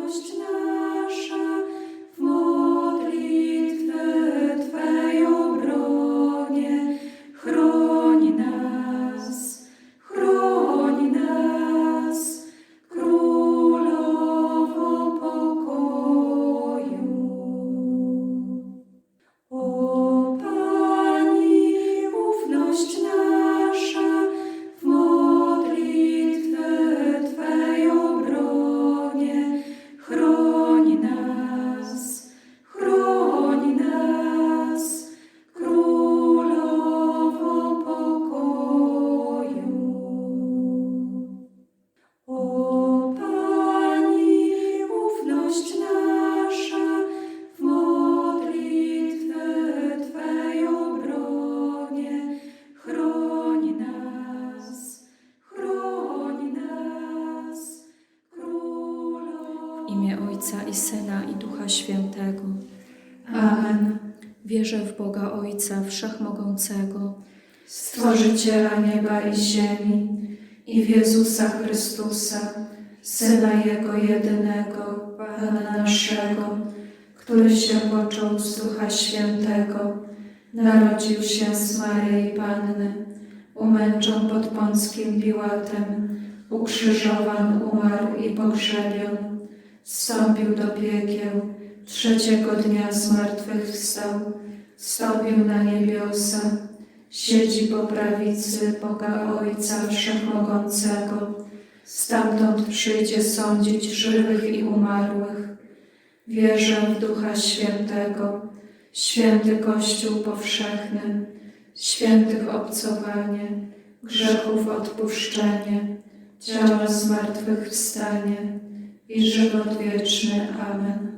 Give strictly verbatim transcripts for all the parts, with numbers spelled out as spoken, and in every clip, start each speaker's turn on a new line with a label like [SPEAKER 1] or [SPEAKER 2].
[SPEAKER 1] ufność nasza w modlitwę Twej obronie. Chroń nas, chroń nas, Królowo pokoju. O Pani, ufność nasza w modlitwę Twej obronie. Chroń nas, chroń nas, Królowo pokoju. O Pani, ufność nasza w modlitwę Twej obronie. Chroń nas, chroń nas, Królowo.
[SPEAKER 2] W imię Ojca i Syna i Ducha Świętego.
[SPEAKER 1] Amen.
[SPEAKER 2] Wierzę w Boga Ojca Wszechmogącego,
[SPEAKER 1] Stworzyciela nieba i ziemi i w Jezusa Chrystusa, Syna Jego jedynego, Pana naszego, który się począł z Ducha Świętego, narodził się z Maryi Panny, umęczon pod Pąckim Piłatem, ukrzyżowan, umarł i pogrzebion, zstąpił do piekieł, trzeciego dnia zmartwychwstał, wstąpił na niebiosa, siedzi po prawicy Boga Ojca Wszechmogącego, stamtąd przyjdzie sądzić żywych i umarłych. Wierzę w Ducha Świętego, święty Kościół powszechny, świętych obcowanie, grzechów odpuszczenie, ciała zmartwychwstanie i żywot wieczny. Amen.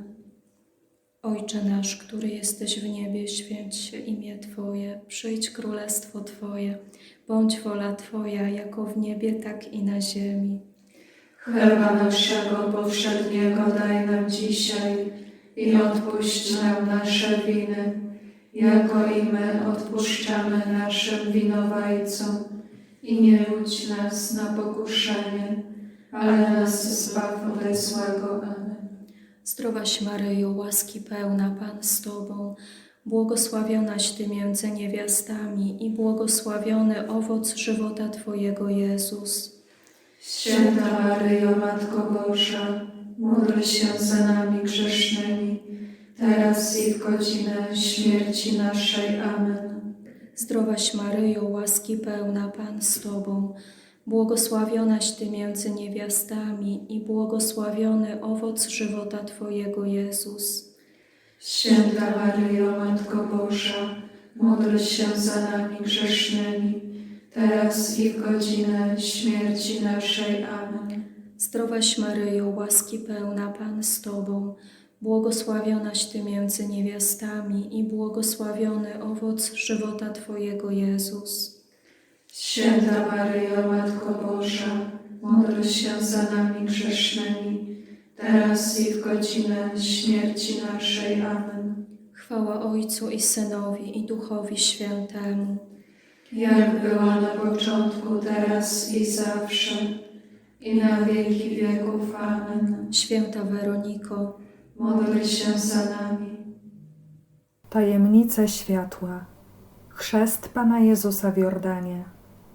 [SPEAKER 2] Ojcze nasz, który jesteś w niebie, święć się imię Twoje, przyjdź królestwo Twoje, bądź wola Twoja, jako w niebie, tak i na ziemi.
[SPEAKER 1] Chleba naszego powszedniego daj nam dzisiaj i odpuść nam nasze winy, jako i my odpuszczamy naszym winowajcom. I nie wódź nas na pokuszenie, ale nas zbaw ode złego. Amen.
[SPEAKER 2] Zdrowaś Maryjo, łaski pełna, Pan z Tobą, błogosławionaś Ty między niewiastami i błogosławiony owoc żywota Twojego, Jezus.
[SPEAKER 1] Święta Maryjo, Matko Boża, módl się za nami grzesznymi, teraz i w godzinę śmierci naszej. Amen.
[SPEAKER 2] Zdrowaś Maryjo, łaski pełna, Pan z Tobą, błogosławionaś Ty między niewiastami i błogosławiony owoc żywota Twojego, Jezus.
[SPEAKER 1] Święta Maryjo, Matko Boża, módl się za nami grzesznymi, teraz i w godzinę śmierci naszej. Amen.
[SPEAKER 2] Zdrowaś Maryjo, łaski pełna, Pan z Tobą, błogosławionaś Ty między niewiastami i błogosławiony owoc żywota Twojego, Jezus.
[SPEAKER 1] Święta Maryjo, Matko Boża, módl się za nami grzesznymi, teraz i w godzinę śmierci naszej. Amen.
[SPEAKER 2] Chwała Ojcu i Synowi i Duchowi Świętemu,
[SPEAKER 1] Jak była na początku, teraz i zawsze, i na wieki wieków. Amen.
[SPEAKER 2] Święta Weroniko,
[SPEAKER 1] Módl się za nami.
[SPEAKER 3] Tajemnice światła. Chrzest Pana Jezusa w Jordanie.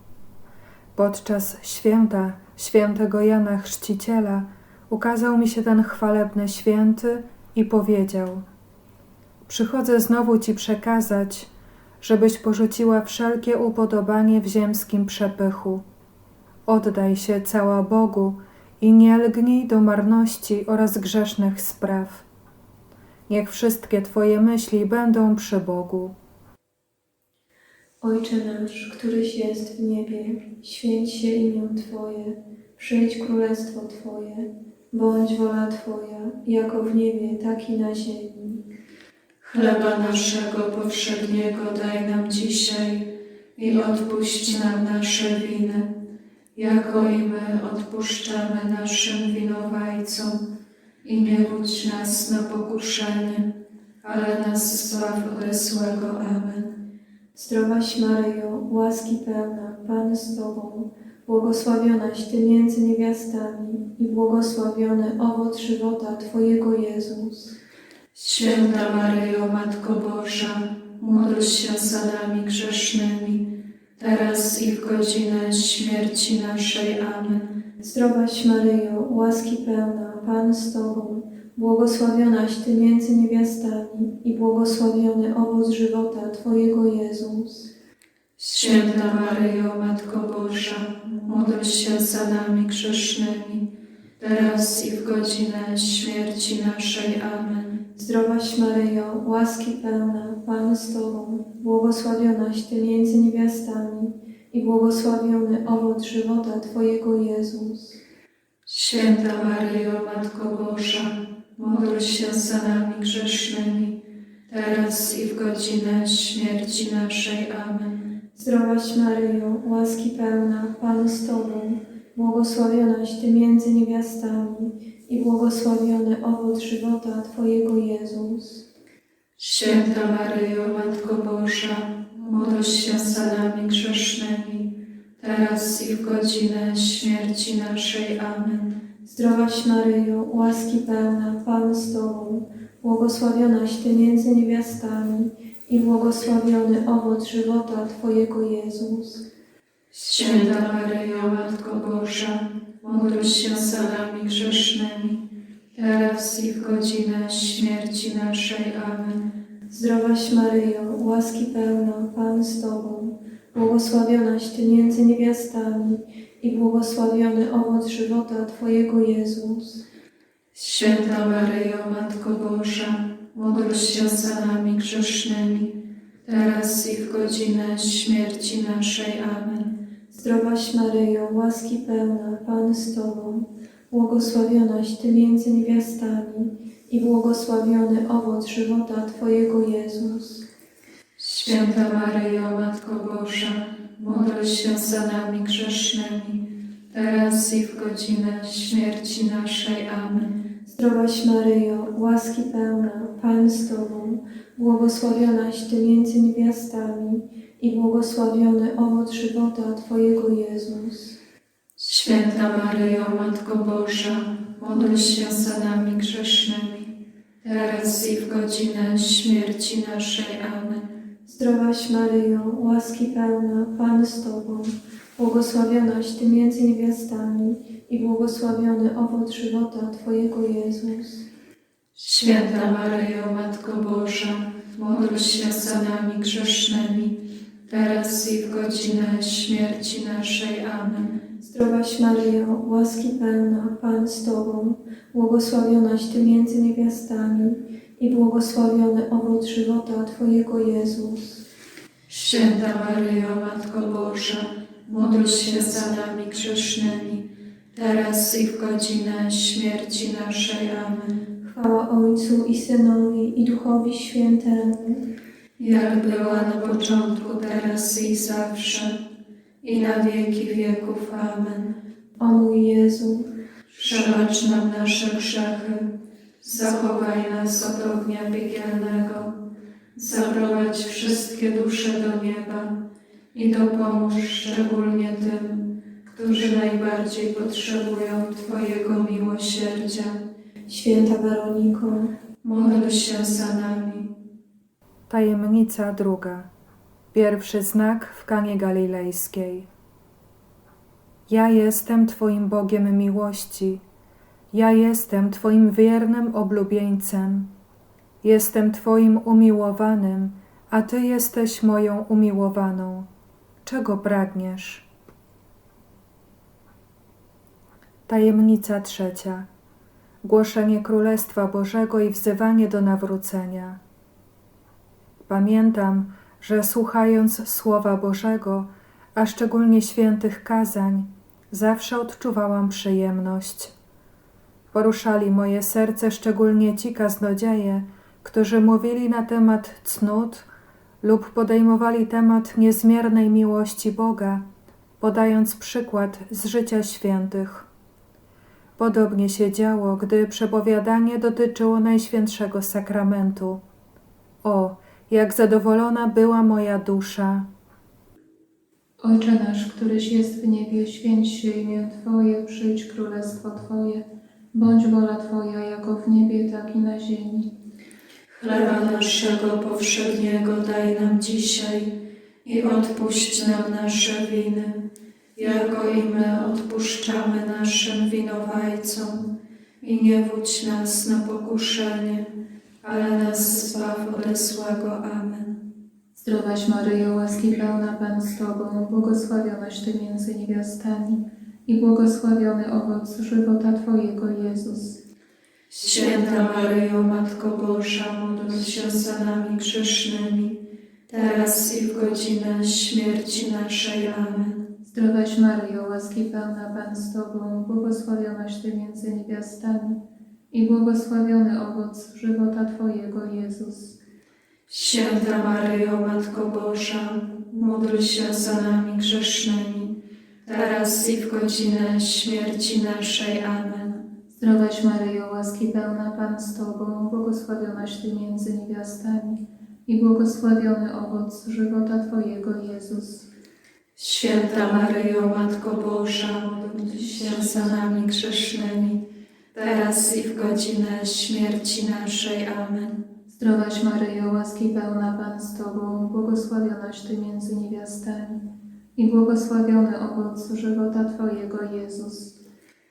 [SPEAKER 3] Podczas święta świętego Jana Chrzciciela ukazał mi się ten chwalebny święty i powiedział: przychodzę znowu Ci przekazać, żebyś porzuciła wszelkie upodobanie w ziemskim przepychu. Oddaj się cała Bogu i nie lgnij do marności oraz grzesznych spraw. Niech wszystkie Twoje myśli będą przy Bogu.
[SPEAKER 4] Ojcze nasz, któryś jest w niebie, święć się imię Twoje, przyjdź królestwo Twoje, bądź wola Twoja, jako w niebie, tak i na ziemi.
[SPEAKER 1] Chleba naszego powszedniego daj nam dzisiaj i odpuść nam nasze winy, jako i my odpuszczamy naszym winowajcom. I nie wódź nas na pokuszenie, ale nas zbaw ode złego. Amen.
[SPEAKER 4] Zdrowaś Maryjo, łaski pełna, Pan z Tobą, błogosławionaś Ty między niewiastami i błogosławiony owoc żywota Twojego Jezus.
[SPEAKER 1] Święta Maryjo, Matko Boża, módl się za nami grzesznymi, teraz i w godzinę śmierci naszej. Amen.
[SPEAKER 4] Zdrowaś Maryjo, łaski pełna, Pan z Tobą, błogosławionaś Ty między niewiastami i błogosławiony owoc żywota Twojego Jezus.
[SPEAKER 1] Święta Maryjo, Matko Boża, módl się za nami grzesznymi, teraz i w godzinę śmierci naszej. Amen.
[SPEAKER 4] Zdrowaś Maryjo, łaski pełna, Pan z Tobą, błogosławionaś Ty między niewiastami i błogosławiony owoc żywota Twojego Jezus.
[SPEAKER 1] Święta Maryjo, Matko Boża, módl się za nami grzesznymi, teraz i w godzinę śmierci naszej. Amen.
[SPEAKER 4] Zdrowaś Maryjo, łaski pełna, Pan z Tobą, błogosławionaś Ty między niewiastami i błogosławiony owoc żywota Twojego Jezus.
[SPEAKER 1] Święta Maryjo, Matko Boża, módl się za nami grzesznymi, teraz i w godzinę śmierci naszej. Amen.
[SPEAKER 4] Zdrowaś Maryjo, łaski pełna, Pan z Tobą, błogosławionaś Ty między niewiastami i błogosławiony owoc żywota Twojego Jezus.
[SPEAKER 1] Święta Maryjo, Matko Boża, módl się za nami grzesznymi, teraz i w godzinę śmierci naszej. Amen.
[SPEAKER 4] Zdrowaś Maryjo, łaski pełna, Pan z Tobą, błogosławionaś Ty między niewiastami i błogosławiony owoc żywota Twojego Jezus.
[SPEAKER 1] Święta Maryjo, Matko Boża, módl się za nami grzesznymi, teraz i w godzinę śmierci naszej. Amen.
[SPEAKER 4] Zdrowaś Maryjo, łaski pełna, Pan z Tobą, błogosławionaś Ty między niewiastami i błogosławiony owoc żywota Twojego Jezus.
[SPEAKER 1] Święta Maryjo, Matko Boża, módl się za nami grzesznymi, teraz i w godzinę śmierci naszej. Amen.
[SPEAKER 4] Zdrowaś Maryjo, łaski pełna, Pan z Tobą, błogosławionaś Ty między niewiastami i błogosławiony owoc żywota Twojego Jezus.
[SPEAKER 1] Święta Maryjo, Matko Boża, módl się za nami grzesznymi, teraz i w godzinę śmierci naszej. Amen.
[SPEAKER 4] Zdrowaś Maryjo, łaski pełna, Pan z Tobą, błogosławionaś Ty między niewiastami i błogosławiony owoc żywota Twojego Jezus.
[SPEAKER 1] Święta Maryjo, Matko Boża, módl się za nami grzesznymi, teraz i w godzinę śmierci naszej. Amen.
[SPEAKER 4] Zdrowaś Maryjo, łaski pełna, Pan z Tobą, błogosławionaś Ty między niewiastami i błogosławiony owoc żywota Twojego Jezus.
[SPEAKER 1] Święta Maryjo, Matko Boża, módl się za nami grzesznymi, teraz i w godzinę śmierci naszej. Amen.
[SPEAKER 4] Chwała Ojcu i Synowi i Duchowi Świętemu,
[SPEAKER 1] Jak była na początku, teraz i zawsze, i na wieki wieków. Amen.
[SPEAKER 4] o mój Jezu,
[SPEAKER 1] Przebacz nam nasze grzechy, zachowaj nas od ognia piekielnego, zaprowadź wszystkie dusze do nieba i dopomóż szczególnie tym, którzy najbardziej potrzebują Twojego miłosierdzia.
[SPEAKER 4] Święta Weroniko,
[SPEAKER 1] Módl się za nami.
[SPEAKER 3] Tajemnica druga. Pierwszy znak w Kanie Galilejskiej. Ja jestem Twoim Bogiem miłości. Ja jestem Twoim wiernym oblubieńcem. Jestem Twoim umiłowanym, a Ty jesteś moją umiłowaną. Czego pragniesz? Tajemnica trzecia. Głoszenie Królestwa Bożego i wzywanie do nawrócenia. Pamiętam, że słuchając Słowa Bożego, a szczególnie świętych kazań, zawsze odczuwałam przyjemność. Poruszali moje serce szczególnie ci kaznodzieje, którzy mówili na temat cnót lub podejmowali temat niezmiernej miłości Boga, podając przykład z życia świętych. Podobnie się działo, gdy przepowiadanie dotyczyło Najświętszego Sakramentu. O, jak zadowolona była moja dusza!
[SPEAKER 4] Ojcze nasz, któryś jest w niebie, święć się imię Twoje, przyjdź królestwo Twoje, bądź wola Twoja jako w niebie, tak i na ziemi.
[SPEAKER 1] Chleba naszego powszedniego daj nam dzisiaj i odpuść nam nasze winy, jako i my odpuszczamy naszym winowajcom. I nie wódź nas na pokuszenie, ale nas zbaw ode złego. Amen.
[SPEAKER 4] Zdrowaś Maryjo, łaski pełna Pan z Tobą, błogosławionaś Ty między niewiastami i błogosławiony owoc żywota Twojego, Jezus.
[SPEAKER 1] Święta Maryjo, Matko Boża, módl się za nami grzesznymi, teraz i w godzinę śmierci naszej. Amen.
[SPEAKER 4] Zdrowaś Maryjo, łaski pełna Pan z Tobą, błogosławionaś Ty między niewiastami i błogosławiony owoc żywota Twojego, Jezus.
[SPEAKER 1] Święta Maryjo, Matko Boża, módl się za nami grzesznymi, teraz i w godzinę śmierci naszej. Amen.
[SPEAKER 4] Zdrowaś Maryjo, łaski pełna Pan z Tobą, błogosławionaś Ty między niewiastami i błogosławiony owoc żywota Twojego, Jezus.
[SPEAKER 1] Święta Maryjo, Matko Boża, módl się za nami grzesznymi, teraz i w godzinę śmierci naszej. Amen.
[SPEAKER 4] Zdrowaś Maryjo, łaski pełna Pan z Tobą, błogosławionaś Ty między niewiastami i błogosławiony owoc żywota Twojego, Jezus.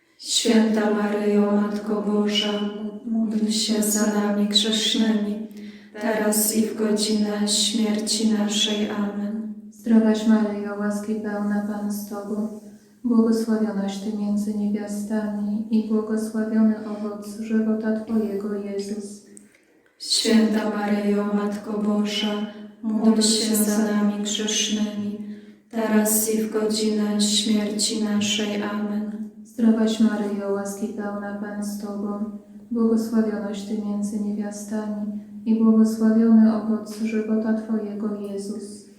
[SPEAKER 1] Święta Maryjo, Matko Boża, módl się za nami grzesznymi, teraz i w godzinę śmierci naszej. Amen.
[SPEAKER 4] Zdrowaś Maryjo, łaski pełna Pan z Tobą, błogosławionaś Ty między niewiastami i błogosławiony owoc żywota Twojego, Jezus.
[SPEAKER 1] Święta Maryjo, Matko Boża, módl się za nami grzesznymi, teraz i w godzinę śmierci naszej. Amen.
[SPEAKER 4] Zdrowaś Maryjo, łaski pełna Pan z Tobą, błogosławionaś Ty między niewiastami i błogosławiony owoc żywota Twojego, Jezus.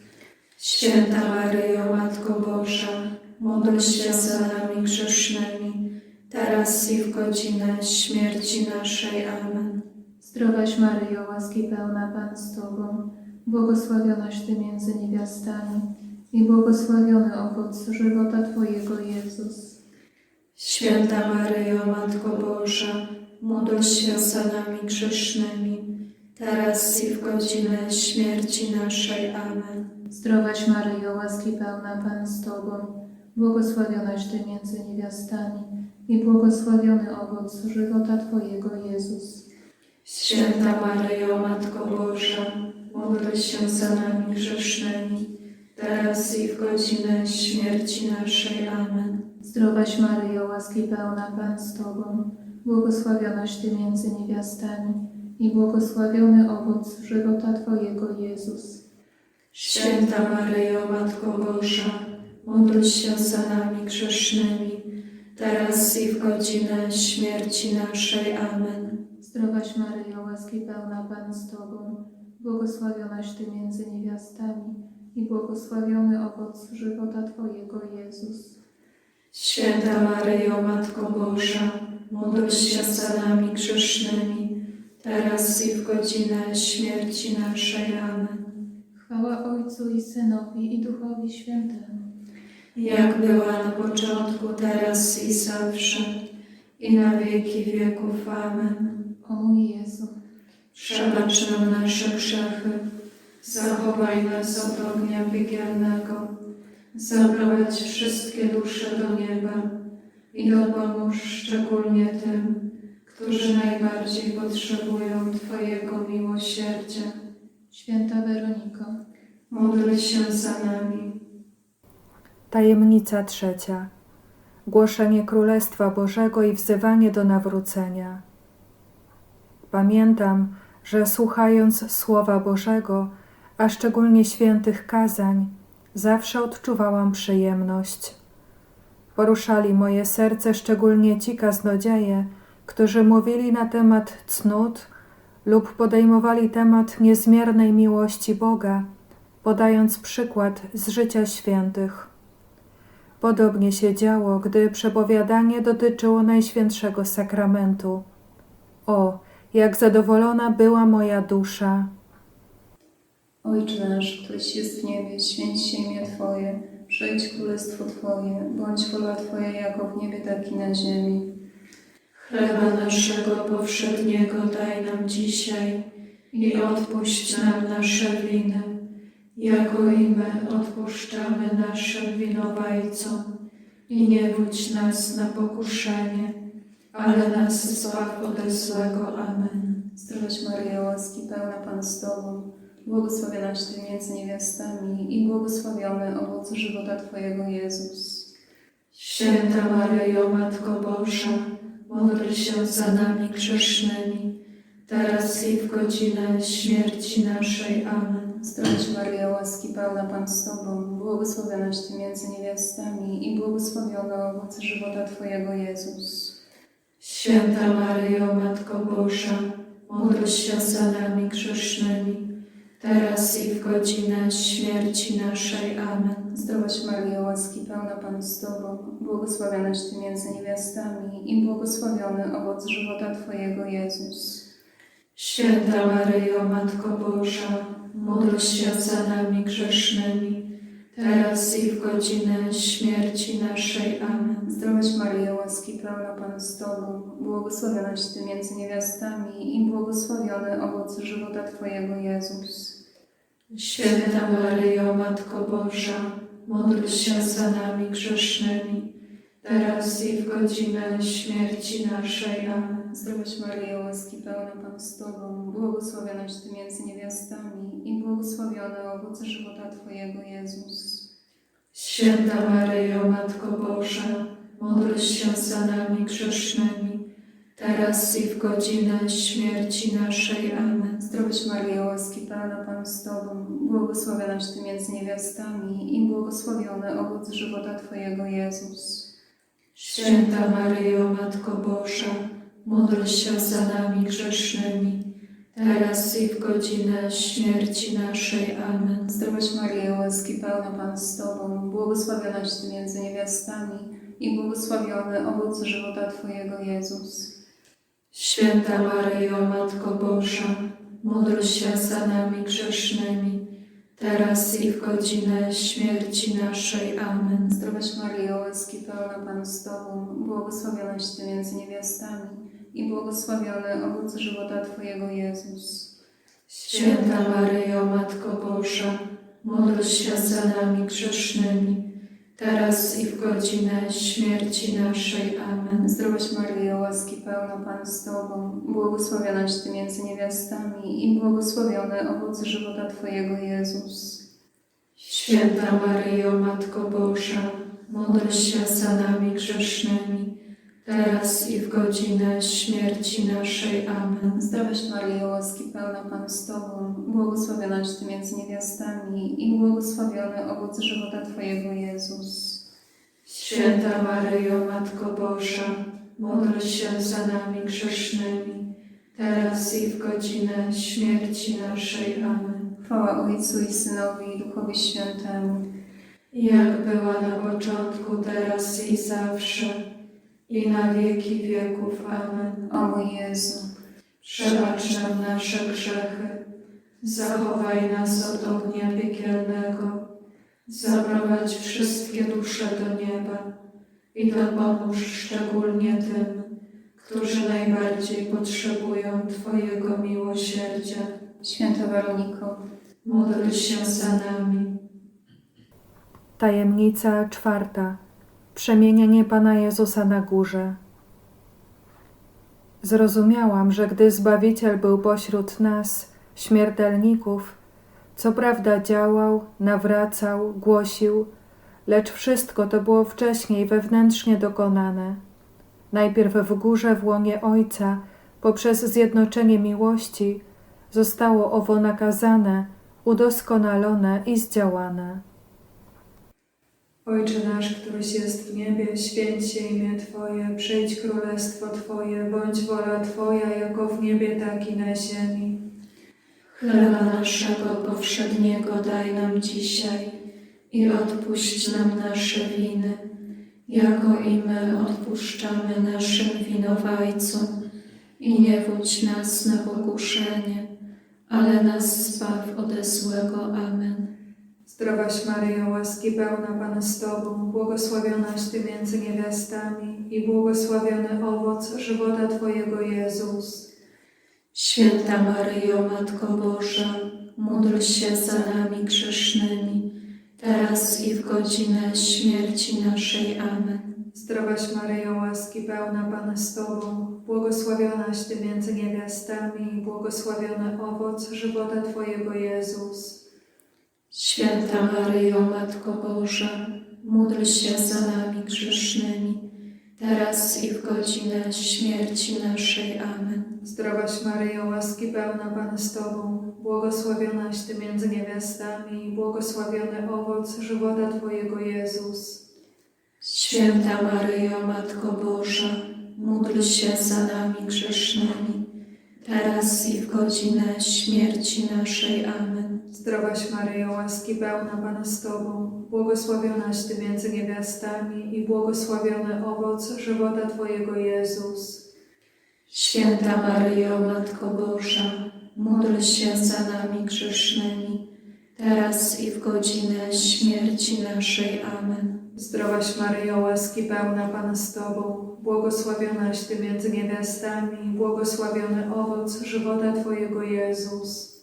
[SPEAKER 1] Święta Maryjo, Matko Boża, módl się za nami grzesznymi, teraz i w godzinę śmierci naszej. Amen.
[SPEAKER 4] Zdrowaś Maryjo, łaski pełna Pan z Tobą, błogosławionaś Ty między niewiastami i błogosławiony owoc żywota Twojego, Jezus.
[SPEAKER 1] Święta Maryjo, Matko Boża, módl się za nami grzesznymi, teraz i w godzinę śmierci naszej. Amen.
[SPEAKER 4] Zdrowaś Maryjo, łaski pełna Pan z Tobą, błogosławionaś Ty między niewiastami i błogosławiony owoc żywota Twojego, Jezus.
[SPEAKER 1] Święta Maryjo, Matko Boża, módl się za nami grzesznymi, teraz i w godzinę śmierci naszej. Amen.
[SPEAKER 4] Zdrowaś Maryjo, łaski pełna Pan z Tobą, błogosławionaś Ty między niewiastami i błogosławiony owoc żywota Twojego, Jezus.
[SPEAKER 1] Święta Maryjo, Matko Boża, módl się za nami grzesznymi, teraz i w godzinę śmierci naszej. Amen.
[SPEAKER 4] Zdrowaś Maryjo, łaski pełna Pan z Tobą, błogosławionaś Ty między niewiastami i błogosławiony owoc żywota Twojego, Jezus.
[SPEAKER 1] Święta Maryjo, Matko Boża, módl się za nami grzesznymi, teraz i w godzinę śmierci naszej. Amen.
[SPEAKER 4] Chwała Ojcu i Synowi i Duchowi Świętemu,
[SPEAKER 1] Jak była na początku, teraz i zawsze, i na wieki wieków. Amen.
[SPEAKER 4] o mój Jezu.
[SPEAKER 1] Przebacz nam nasze grzechy, zachowaj nas od ognia piekielnego, zaprowadź wszystkie dusze do nieba i dopomóż szczególnie tym, którzy najbardziej potrzebują Twojego miłosierdzia.
[SPEAKER 4] Święta Weroniko,
[SPEAKER 1] Módl się za nami.
[SPEAKER 3] Tajemnica trzecia. Głoszenie Królestwa Bożego i wzywanie do nawrócenia. Pamiętam, że słuchając Słowa Bożego, a szczególnie świętych kazań, zawsze odczuwałam przyjemność. Poruszali moje serce szczególnie ci kaznodzieje, którzy mówili na temat cnót lub podejmowali temat niezmiernej miłości Boga, podając przykład z życia świętych. Podobnie się działo, gdy przepowiadanie dotyczyło Najświętszego Sakramentu. O, jak zadowolona była moja dusza!
[SPEAKER 5] Ojcze nasz, któryś jest w niebie, święć się imię Twoje, przyjdź królestwo Twoje, bądź wola Twoja jako w niebie, tak i na ziemi.
[SPEAKER 1] Chleba naszego powszedniego daj nam dzisiaj i odpuść nam nasze winy, jako i my odpuszczamy naszym winowajcom. I nie wódź nas na pokuszenie, ale nas zbaw ode złego. Amen.
[SPEAKER 5] Zdrowaś Maryjo, łaski pełna Pan z Tobą, błogosławionaś Ty między niewiastami i błogosławiony owoc żywota Twojego, Jezus.
[SPEAKER 1] Święta Maryjo, Matko Boża, módl się za nami grzesznymi, teraz i w godzinę śmierci naszej. Amen.
[SPEAKER 5] Zdrowaś Maryjo, łaski pełna Pan z Tobą, błogosławionaś Ty między niewiastami i błogosławiony owoc żywota Twojego, Jezus.
[SPEAKER 1] Święta Maryjo, Matko Boża, módl się za nami grzesznymi, teraz i w godzinę śmierci naszej. Amen.
[SPEAKER 5] Zdrowaś Maryjo, łaski pełna Pan z Tobą, błogosławionaś Ty między niewiastami i błogosławiony owoc żywota Twojego, Jezus.
[SPEAKER 1] Święta Maryjo, Matko Boża, módl się za nami grzesznymi, teraz i w godzinę śmierci naszej. Amen.
[SPEAKER 5] Zdrowaś Maryjo, łaski pełna Pan z Tobą, błogosławionaś Ty między niewiastami i błogosławiony owoc żywota Twojego, Jezus.
[SPEAKER 1] Święta Maryjo, Matko Boża, módl się za nami grzesznymi, teraz i w godzinę śmierci naszej. Amen.
[SPEAKER 5] Zdrowaś Maryjo, łaski pełna Pan z Tobą, błogosławionaś Ty między niewiastami i błogosławiony owoc żywota Twojego, Jezus.
[SPEAKER 1] Święta Maryjo, Matko Boża, módl się za nami grzesznymi, teraz i w godzinę śmierci naszej. Amen.
[SPEAKER 5] Zdrowaś Maryjo, łaski pełna Pan z Tobą, błogosławionaś Ty między niewiastami i błogosławiony owoc żywota Twojego, Jezus.
[SPEAKER 1] Święta Maryjo, Matko Boża, módl się za nami grzesznymi, teraz i w godzinę śmierci naszej. Amen.
[SPEAKER 5] Zdrowaś Maryjo, łaski pełna Pan z Tobą, błogosławionaś Ty między niewiastami i błogosławiony owoc żywota Twojego, Jezus.
[SPEAKER 1] Święta Maryjo, Matko Boża, módl się za nami grzesznymi, teraz i w godzinę śmierci naszej. Amen.
[SPEAKER 5] Zdrowaś Maryjo, łaski pełna Pan z Tobą, błogosławionaś Ty między niewiastami i błogosławiony owoc żywota Twojego, Jezus.
[SPEAKER 1] Święta Maryjo, Matko Boża, módl się za nami grzesznymi, teraz i w godzinę śmierci naszej. Amen.
[SPEAKER 5] Zdrowaś Maryjo, łaski pełna Pan z Tobą, błogosławionaś Ty między niewiastami i błogosławiony owoc żywota Twojego, Jezus.
[SPEAKER 1] Święta Maryjo, Matko Boża, módl się za nami grzesznymi, teraz i w godzinę śmierci naszej. Amen.
[SPEAKER 5] Zdrowaś Maryjo, łaski pełna Pan z Tobą, błogosławionaś Ty między niewiastami i błogosławiony owoc żywota Twojego, Jezus.
[SPEAKER 1] Święta Maryjo, Matko Boża, módl się za nami grzesznymi, teraz i w godzinę śmierci naszej. Amen.
[SPEAKER 5] Chwała Ojcu i Synowi i Duchowi Świętemu,
[SPEAKER 1] Jak była na początku, teraz i zawsze, i na wieki wieków. Amen.
[SPEAKER 5] o mój Jezu.
[SPEAKER 1] Przebacz nam nasze grzechy, zachowaj nas od ognia piekielnego, zaprowadź wszystkie dusze do nieba i dopomóż szczególnie tym, którzy najbardziej potrzebują Twojego miłosierdzia.
[SPEAKER 5] Święta Weroniko,
[SPEAKER 1] Módl się za nami.
[SPEAKER 3] Tajemnica czwarta. Przemienienie Pana Jezusa na górze. Zrozumiałam, że gdy Zbawiciel był pośród nas, śmiertelników, co prawda działał, nawracał, głosił, lecz wszystko to było wcześniej wewnętrznie dokonane. Najpierw w górze w łonie Ojca, poprzez zjednoczenie miłości, zostało owo nakazane, udoskonalone i zdziałane.
[SPEAKER 1] Ojcze nasz, któryś jest w niebie, święć się imię Twoje, przyjdź królestwo Twoje, bądź wola Twoja, jako w niebie, tak i na ziemi. Chleba naszego powszedniego daj nam dzisiaj i odpuść nam nasze winy, jako i my odpuszczamy naszym winowajcom. I nie wódź nas na pokuszenie, ale nas zbaw ode złego. Amen. Zdrowaś Maryjo, łaski pełna, Pan z Tobą, błogosławionaś Ty między niewiastami i błogosławiony owoc żywota Twojego, Jezus.
[SPEAKER 2] Święta Maryjo, Matko Boża, módl się za nami grzesznymi, teraz i w godzinę śmierci naszej. Amen.
[SPEAKER 1] Zdrowaś Maryjo, łaski pełna, Pan z Tobą, błogosławionaś Ty między niewiastami i błogosławiony owoc żywota Twojego, Jezus.
[SPEAKER 2] Święta Maryjo, Matko Boża, módl się za nami grzesznymi, teraz i w godzinę śmierci naszej. Amen.
[SPEAKER 1] Zdrowaś Maryjo, łaski pełna, Pan z Tobą, błogosławionaś Ty między niewiastami i błogosławiony owoc żywota Twojego, Jezus.
[SPEAKER 2] Święta Maryjo, Matko Boża, módl się za nami grzesznymi, teraz i w godzinę śmierci naszej. Amen.
[SPEAKER 1] Zdrowaś Maryjo, łaski pełna, Pan z Tobą, błogosławionaś Ty między niewiastami i błogosławiony owoc żywota Twojego, Jezus.
[SPEAKER 2] Święta Maryjo, Matko Boża, módl się za nami grzesznymi, teraz i w godzinę śmierci naszej. Amen.
[SPEAKER 1] Zdrowaś Maryjo, łaski pełna, Pan z Tobą, błogosławionaś Ty między niewiastami i błogosławiony owoc żywota Twojego, Jezus.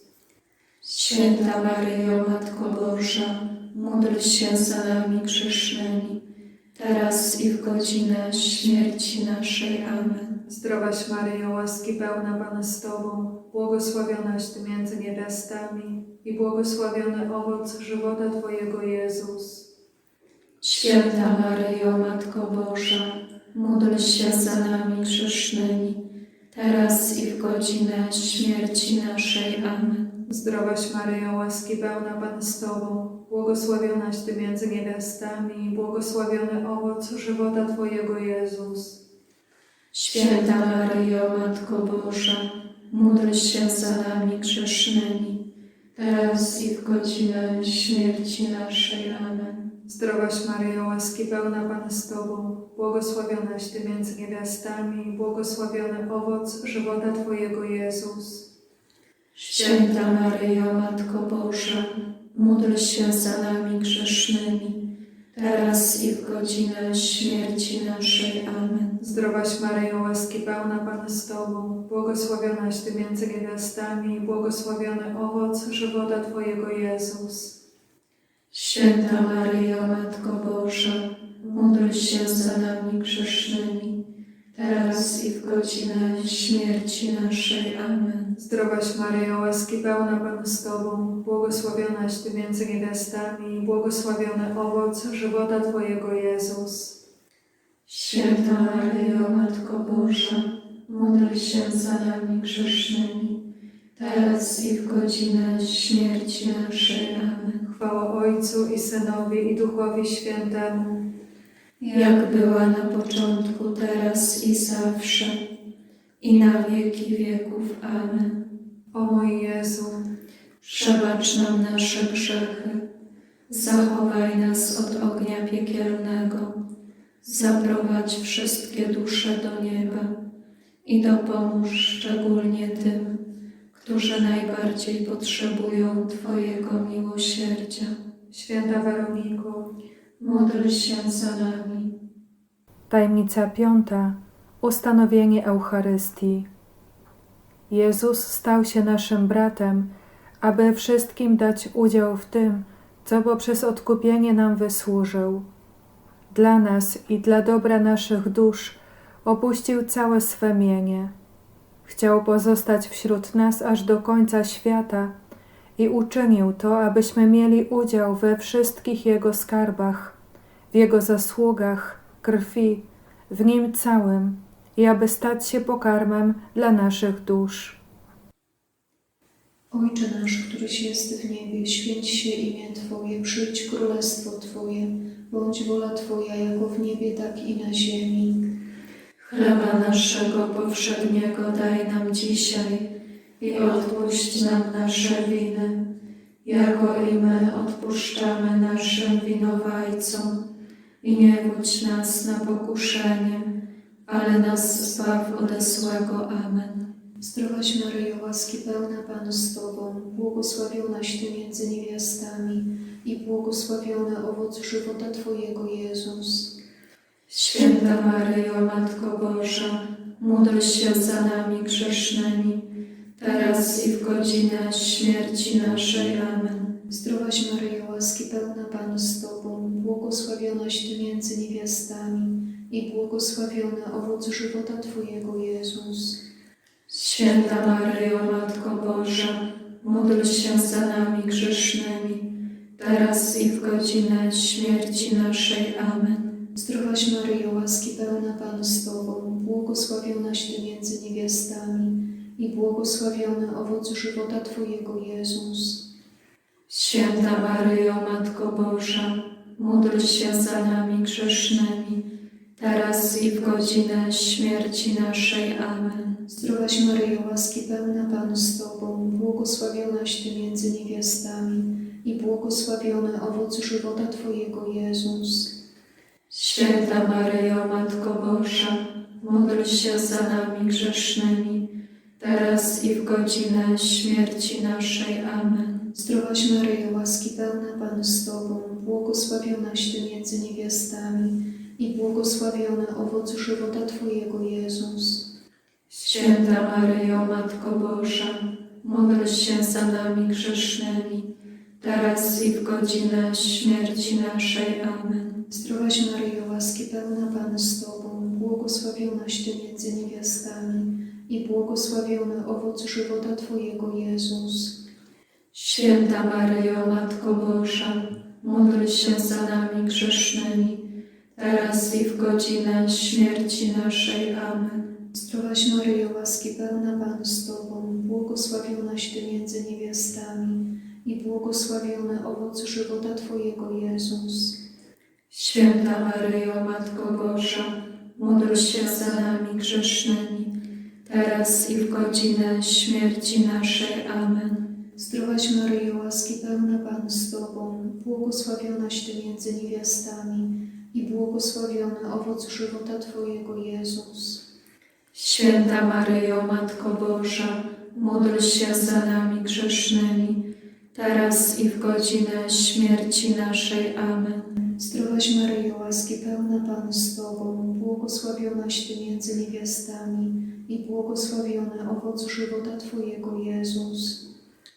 [SPEAKER 2] Święta Maryjo, Matko Boża, módl się za nami grzesznymi, teraz i w godzinę śmierci naszej. Amen.
[SPEAKER 1] Zdrowaś Maryjo, łaski pełna, Pan z Tobą, błogosławionaś Ty między niewiastami i błogosławiony owoc żywota Twojego, Jezus.
[SPEAKER 2] Święta Maryjo, Matko Boża, módl się za nami grzesznymi, teraz i w godzinę śmierci naszej. Amen.
[SPEAKER 1] Zdrowaś Maryjo, łaski pełna, Pan z Tobą, błogosławionaś Ty między niewiastami i błogosławiony owoc żywota Twojego, Jezus.
[SPEAKER 2] Święta Maryjo, Matko Boża, módl się za nami grzesznymi, teraz i w godzinę śmierci naszej. Amen.
[SPEAKER 1] Zdrowaś Maryjo, łaski pełna, Pan z Tobą, błogosławionaś Ty między niewiastami i błogosławiony owoc żywota Twojego, Jezus.
[SPEAKER 2] Święta Maryjo, Matko Boża, módl się za nami grzesznymi, teraz i w godzinę śmierci naszej. Amen.
[SPEAKER 1] Zdrowaś Maryjo, łaski pełna, Pan z Tobą, błogosławionaś Ty między niewiastami i błogosławiony owoc żywota Twojego, Jezus.
[SPEAKER 2] Święta Maryjo, Matko Boża, módl się za nami grzesznymi, teraz i w godzinę śmierci naszej. Amen.
[SPEAKER 1] Zdrowaś Maryjo, łaski pełna, Pan z Tobą, błogosławionaś Ty między niewiastami i błogosławiony owoc żywota Twojego, Jezus.
[SPEAKER 2] Święta Maryjo, Matko Boża, módl się za nami grzesznymi, teraz i w godzinę śmierci naszej. Amen.
[SPEAKER 1] Chwała Ojcu i Synowi i Duchowi Świętemu,
[SPEAKER 2] Jak była na początku, teraz i zawsze, i na wieki wieków. Amen.
[SPEAKER 1] o mój Jezu.
[SPEAKER 2] Przebacz nam nasze grzechy, zachowaj nas od ognia piekielnego, zaprowadź wszystkie dusze do nieba i dopomóż szczególnie tym, którzy najbardziej potrzebują Twojego miłosierdzia.
[SPEAKER 1] Święta Weroniko,
[SPEAKER 2] Módl się za nami.
[SPEAKER 3] Tajemnica piąta. Ustanowienie Eucharystii. Jezus stał się naszym bratem, aby wszystkim dać udział w tym, co poprzez odkupienie nam wysłużył. Dla nas i dla dobra naszych dusz opuścił całe swe mienie. Chciał pozostać wśród nas aż do końca świata i uczynił to, abyśmy mieli udział we wszystkich Jego skarbach, w Jego zasługach, krwi, w Nim całym i aby stać się pokarmem dla naszych dusz.
[SPEAKER 4] Ojcze nasz, któryś jest w niebie, święć się imię Twoje, przyjdź królestwo Twoje, bądź wola Twoja jako w niebie, tak i na ziemi.
[SPEAKER 2] Chleba naszego powszedniego daj nam dzisiaj i odpuść nam nasze winy, jako i my odpuszczamy naszym winowajcom. I nie wódź nas na pokuszenie, ale nas zbaw ode złego. Amen.
[SPEAKER 4] Zdrowaś Maryjo, łaski pełna Pan z Tobą, błogosławionaś Ty między niewiastami i błogosławiony owoc żywota Twojego, Jezus.
[SPEAKER 1] Święta Maryjo, Matko Boża, módl się za nami grzesznymi, teraz i w godzinę śmierci naszej. Amen.
[SPEAKER 4] Zdrowaś Maryjo, łaski pełna Pan z Tobą, błogosławionaś Ty między niewiastami i błogosławiony owoc żywota Twojego, Jezus.
[SPEAKER 1] Święta Maryjo, Matko Boża, módl się za nami grzesznymi, teraz i w godzinę śmierci naszej. Amen.
[SPEAKER 4] Zdrowaś Maryjo, łaski pełna Pan z Tobą, błogosławionaś Ty między niewiastami i błogosławiony owoc żywota Twojego, Jezus.
[SPEAKER 1] Święta Maryjo, Matko Boża, módl się za nami grzesznymi, teraz i w godzinę śmierci naszej. Amen.
[SPEAKER 4] Zdrowaś Maryjo, łaski pełna Pan z Tobą, błogosławionaś Ty między niewiastami i błogosławiony owoc żywota Twojego, Jezus.
[SPEAKER 1] Święta Maryjo, Matko Boża, módl się za nami grzesznymi, teraz i w godzinę śmierci naszej. Amen.
[SPEAKER 4] Zdrowaś Maryjo, łaski pełna Pan z Tobą, błogosławionaś Ty między niewiastami i błogosławiony owoc żywota Twojego, Jezus.
[SPEAKER 1] Święta Maryjo, Matko Boża, módl się za nami grzesznymi, teraz i w godzinę śmierci naszej. Amen.
[SPEAKER 4] Zdrowaś Maryjo, łaski pełna Pan z Tobą, błogosławionaś Ty między niewiastami i błogosławiony owoc żywota Twojego, Jezus.
[SPEAKER 1] Święta Maryjo, Matko Boża, módl się za nami grzesznymi, teraz i w godzinę śmierci naszej. Amen.
[SPEAKER 4] Zdrowaś Maryjo, łaski pełna Pan z Tobą, błogosławionaś Ty między niewiastami i błogosławiony owoc żywota Twojego, Jezus.
[SPEAKER 1] Święta Maryjo, Matko Boża, módl się za nami grzesznymi, teraz i w godzinę śmierci naszej. Amen.
[SPEAKER 4] Zdrowaś Maryjo, łaski pełna Pan z Tobą, błogosławionaś Ty między niewiastami i błogosławiony owoc żywota Twojego, Jezus.
[SPEAKER 1] Święta Maryjo, Matko Boża, módl się za nami grzesznymi, teraz i w godzinę śmierci naszej. Amen.
[SPEAKER 4] Zdrowaś Maryjo, łaski pełna Pan z Tobą, błogosławionaś Ty między niewiastami i błogosławiony owoc żywota Twojego, Jezus.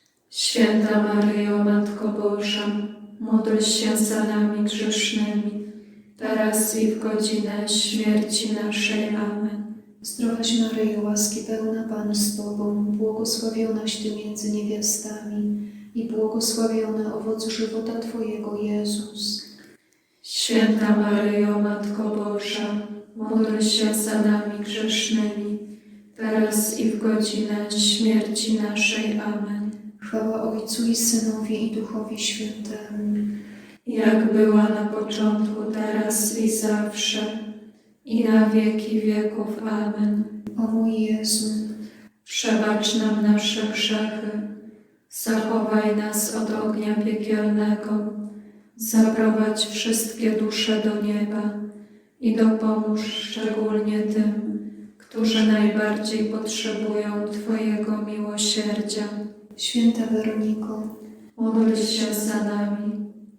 [SPEAKER 1] Święta Maryjo, Matko Boża, módl się za nami grzesznymi, teraz i w godzinę śmierci naszej. Amen.
[SPEAKER 4] Zdrowaś Maryjo, łaski pełna Pan z Tobą, błogosławionaś Ty między niewiastami i błogosławiony owoc żywota Twojego, Jezus.
[SPEAKER 1] Święta Maryjo, Matko Boża, módl się za nami grzesznymi, teraz i w godzinę śmierci naszej. Amen.
[SPEAKER 4] Chwała Ojcu i Synowi i Duchowi Świętemu,
[SPEAKER 1] Jak była na początku, teraz i zawsze, i na wieki wieków. Amen.
[SPEAKER 4] o mój Jezu.
[SPEAKER 1] Przebacz nam nasze grzechy, zachowaj nas od ognia piekielnego, zaprowadź wszystkie dusze do nieba i dopomóż szczególnie tym, którzy najbardziej potrzebują Twojego miłosierdzia.
[SPEAKER 4] Święta Weroniko,
[SPEAKER 1] Módl się za nami.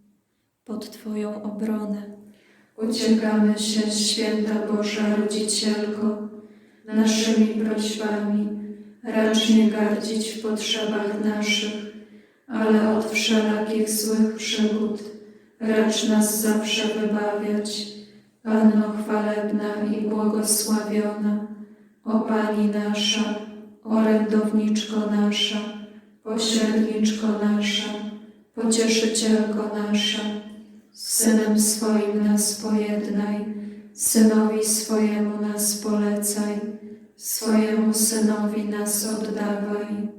[SPEAKER 2] Pod Twoją obronę
[SPEAKER 1] Uciekamy się, Święta Boża Rodzicielko, naszymi prośbami. Racz nie gardzić w potrzebach naszych, ale od wszelakich złych przygód racz nas zawsze wybawiać. Panno chwalebna i błogosławiona, o Pani nasza, orędowniczko nasza, pośredniczko nasza, pocieszycielko nasza, z Synem swoim nas pojednaj, Synowi swojemu nas polecaj, swojemu Synowi nas oddawaj.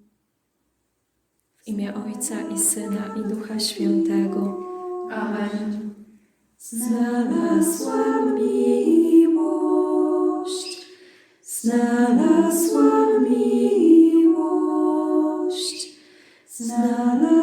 [SPEAKER 2] w imię Ojca i Syna i Ducha Świętego.
[SPEAKER 1] Amen.
[SPEAKER 2] Znalazłam miłość, znalazłam miłość, znalazłam